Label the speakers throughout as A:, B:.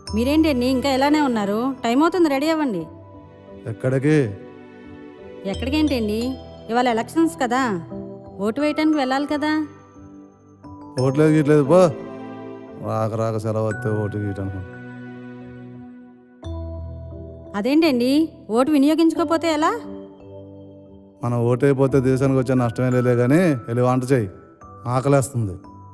A: మీరేంటండి ఇంకా ఇలానే ఉన్నారు? టైం అవుతుంది, రెడీ అవ్వండి.
B: ఎక్కడికి?
A: ఎక్కడికేంటండి? ఇవాళ ఎలక్షన్స్ కదా, ఓటు వేయటానికి వెళ్ళాలి కదా.
B: ఓట్లేదు గీట్లేదు పో. రాక రాక సెలవు వస్తే ఓటు గీయటానికి.
A: అదేంటండి, ఓటు వినియోగించుకోకపోతే ఎలా?
B: మనం ఓటు అయిపోతే దేశానికి వచ్చే నష్టమే లేదే కానీ వెళ్ళి వంట చేయి, ఆకలేస్తుంది.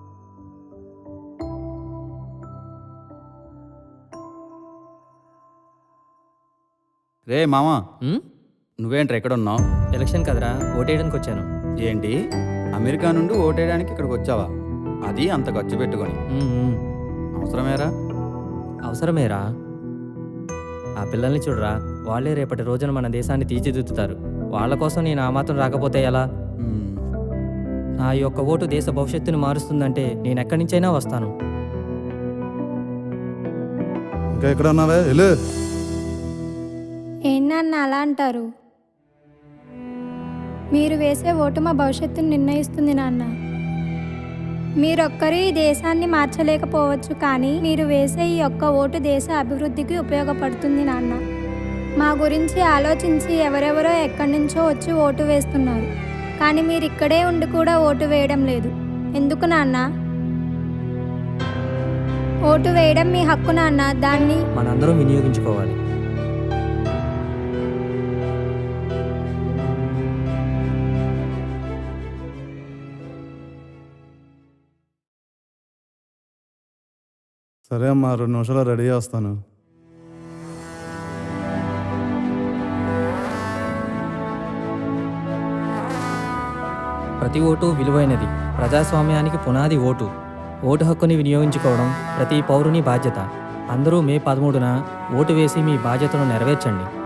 C: రే మామా,
D: ఉమ్?
C: నువ్వేంట్రా ఎక్కడున్నావు?
D: ఎలక్షన్ కదరా, ఓటేయడానికి వచ్చాను.
C: ఏంటి, అమెరికా నుండి ఓటేయడానికి ఇక్కడికి వచ్చావా? అది అంత ఖర్చు పెట్టుకొని
D: ఉమ్, ఉమ్.
C: అవసరమేరా?
D: అవసరమేరా. ఆ పిల్లల్ని చూడరా, వాళ్ళే రేపటి రోజున మన దేశాన్ని తీర్చిదిద్దుతారు. వాళ్ళ కోసం నేను ఆ మాత్రం రాకపోతే ఎలా?
C: మ్మ్.
D: నా యొక్క ఓటు దేశ భవిష్యత్తుని మారుస్తుందంటే నేను ఎక్కడి నుంచైనా వస్తాను.
B: ఇంకా ఎక్కడ ఉన్నావే, వెళ్ళు.
E: ఏంటన్న అలా అంటారు? మీరు వేసే ఓటు మా భవిష్యత్తును నిర్ణయిస్తుంది నాన్న. మీరొక్కరు ఈ దేశాన్ని మార్చలేకపోవచ్చు, కానీ మీరు వేసే ఈ ఒక్క ఓటు దేశ అభివృద్ధికి ఉపయోగపడుతుంది నాన్న. మా గురించి ఆలోచించి ఎవరెవరో ఎక్కడి నుంచో వచ్చి ఓటు వేస్తున్నారు, కానీ మీరు ఇక్కడే ఉండి కూడా ఓటు వేయడం లేదు. ఎందుకు నాన్న? ఓటు వేయడం మీ హక్కు నాన్న, దాన్ని
D: మనందరం వినియోగించుకోవాలి.
B: సరే అమ్మా, 2 నిమిషాలు రెడీ చేస్తాను.
D: ప్రతి ఓటు విలువైనది. ప్రజాస్వామ్యానికి పునాది ఓటు. ఓటు హక్కుని వినియోగించుకోవడం ప్రతి పౌరుని బాధ్యత. అందరూ మే 13న ఓటు వేసి మీ బాధ్యతను నెరవేర్చండి.